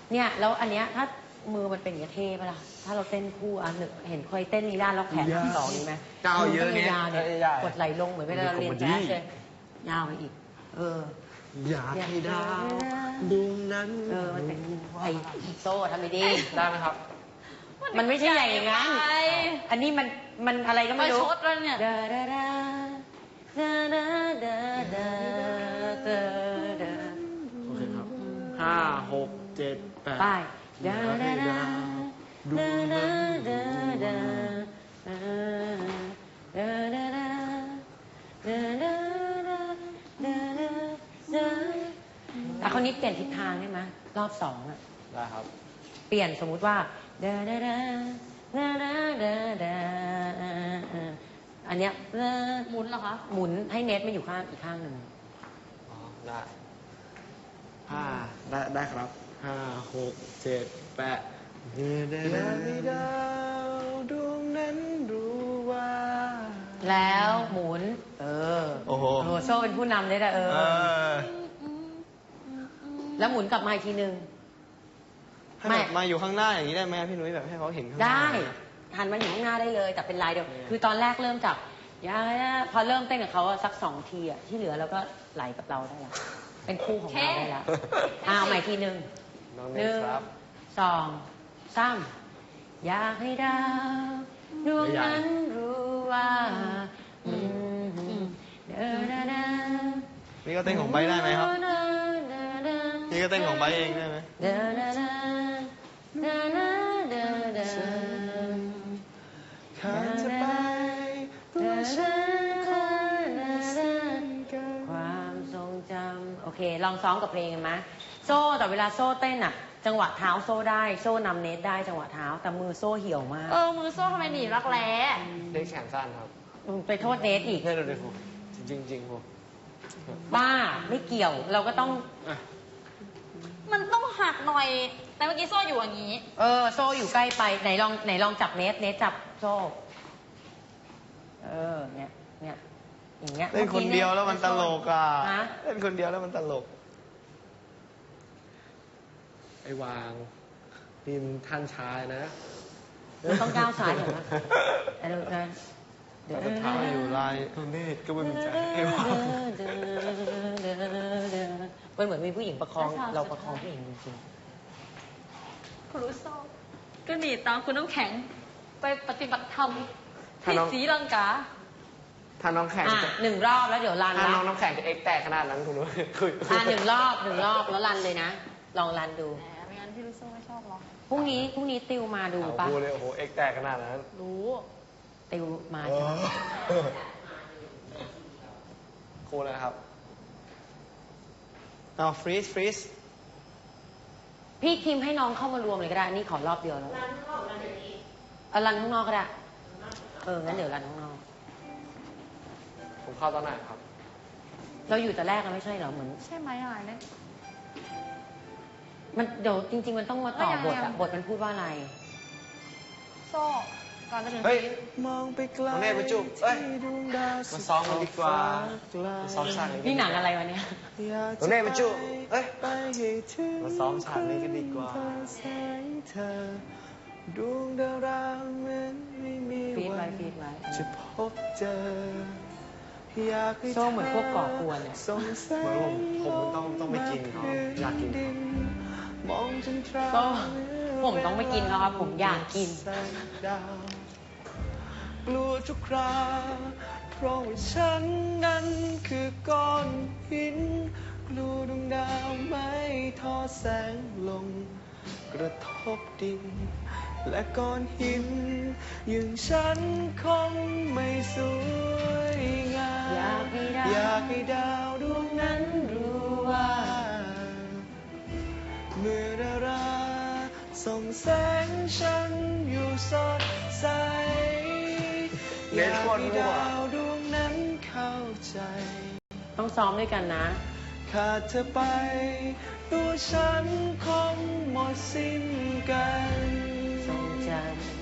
เนี่ยแล้วอันเนี้ยถ้ามือมันเป็นอย่างเงี้ยเท่ปะล่ะถ้าเราเต้นคู่อ่ะหนึ่งเห็นเคยเต้นลีลาแล้วแขนทั้งสองนี่ไหมก้าวเยอะเนี่ยยาวเนี่ยกดไหลลงเหมือนเวลาเราเรียนแจ๊สเลยยาวไปอีกอยากให้ดาวดวงนั้นมันเป็นไอ้โซ่ทำไม่ดีได้ไหมครับมันไม่ใช่อย่างนั้น อันนี้มันอะไรก็ไม่รู้ชดแล้วเนี่ยโอเคครับห้าหกเจ็ดแปดไปแต่คนนี้เปลี่ยนทิศทางได้ไหมรอบสองอ่ะได้ครับเปลี่ยนสมมุติว่าอันเนี้ยหมุนเหรอคะหมุนให้เน็ตมาอยู่ข้างอีกข้างหนึ่งอ๋อ ได้ได้ครับห้าหกเจ็ดแปดอยากให้ดาวดวงนั้นรู้ว่าแล้วหมุนโอ้โหโซ่เป็นผู้นำเลยนะแล้วหมุนกลับมาอีกทีนึงไม่มาอยู่ข้างหน้าอย่างนี้ได้ไหมพี่นุ้ยแบบให้เขาเห็นข้างหน้าได้หันมาอยู่ข้างหน้าได้เลยแต่เป็นลายเดียวคือตอนแรกเริ่มจากพอเริ่มเต้นกับเขาสัก2 ทีที่เหลือเราก็ไหลกับเราได้แล้วเป็นคู่ของเราได้แล้วเอาใหม่ทีนึง1 2 3อยากให้ดาวดวงนั้นรู้ว่านี่ก็เต้นของไบได้ไหมครับนี่ก็เต้นของไบเองได้ไหมความทรงจำโอเคลองซ้อมกับเพลงกันไหมโซ่แต่เวลาโซ่เต้นอ่ะจังหวะเท้าโซ่ได้โซ่นำเนตได้จังหวะเท้าแต่มือโซ่เหี่ยวมากมือโซ่ทำไมหนีรักแร้เด็กแขนสั้นครับไปโทษเนตอีกให้เราดูครูจริงครูบ้าไม่เกี่ยวเราก็ต้องมันต้องหักหน่อยแต่เมื่อกี้โซ่อยู่อย่างนี้โซ่อยู่ใกล้ไปไหนลองจับเนตจับโซ่เนี่ยอย่างเงี้ยเล่นคนเดียวแล้วมันตลกอ่ะเล่นคนเดียวแล้วมันตลกไอ้วางนี่มันท่านชายนะต้องก้าวสายเหรอเดี๋ยวเท้าอยู่ลายตรงนี้ก็ไม่มีใจไอ้วางมันเหมือนมีผู้หญิงประคองเราประคองผู้หญิงจริงๆคุณรู้โซ่ก็หนีตามคุณน้ำแข็งไปปฏิบัติธรรมที่ศรีลังกาถ้าน้องแข่ง 1 รอบแล้วเดี๋ยวรันถ้าน้องแข่งจะเอ็กแตกขนาดนั้นคุณรู้ 1 รอบแล้วรันเลยนะลองรันดูไม่งั้นพี่ลูกโซ่ไม่ชอบหรอกพรุ่งนี้ติวมาดูป่ะพูดเลยโอ้โหเอ็กแตกขนาดนั้นรู้ติวมาครูเลยครับเอาฟรีสพี่คิมให้น้องเข้ามารวมเลยก็ได้นี่ขอรอบเดียวแล้วรันข้างนอกก็ได้งั้นเดี๋ยวรันข้างนอกผมเข้าตอนไหนครับเราอยู่แต่แรกเราไม่ใช่เหรอเหมือนใช่ไหมอะไรเนี่ยมันเดี๋ยวจริงๆมันต้องมาต่อบทอะบทมันพูดว่าอะไรโซ่ก่อนจะถึงมองไปไกลน้องเนตรมาจุ๊บมาซ้อมกันดีกว่ามาซ้อมฉากนี้นี่หนังอะไรวะเนี่ยน้องเนตรมาจุ๊บมาซ้อมฉากนี้กันดีกว่าดวงดาวราเหมือนไม่มีวันจะพบเจอโซ่เหมือนพวกก่อกวนเลยผมต้องไม่กินเขาอยากกินโซ่ผมต้องไม่กินเขาครับผมอยากกินกลัวทุกคราเพราะว่าฉันนั้นคือก้อนหินกลัวดวงดาวไม่ทอดแสงลงกระทบดินและก้อนหินอย่างฉันคงไม่สวยงามอยากให้ดาวดวงนั้นรู้ว่าเมื่อดาราส่องแสงฉันอยู่สดใสอยากให้ดาวดวงนั้นเข้าใจต้องซ้อมด้วยกันนะขาดเธอไปตัวฉันคงหมดสิ้นกันทรงจำ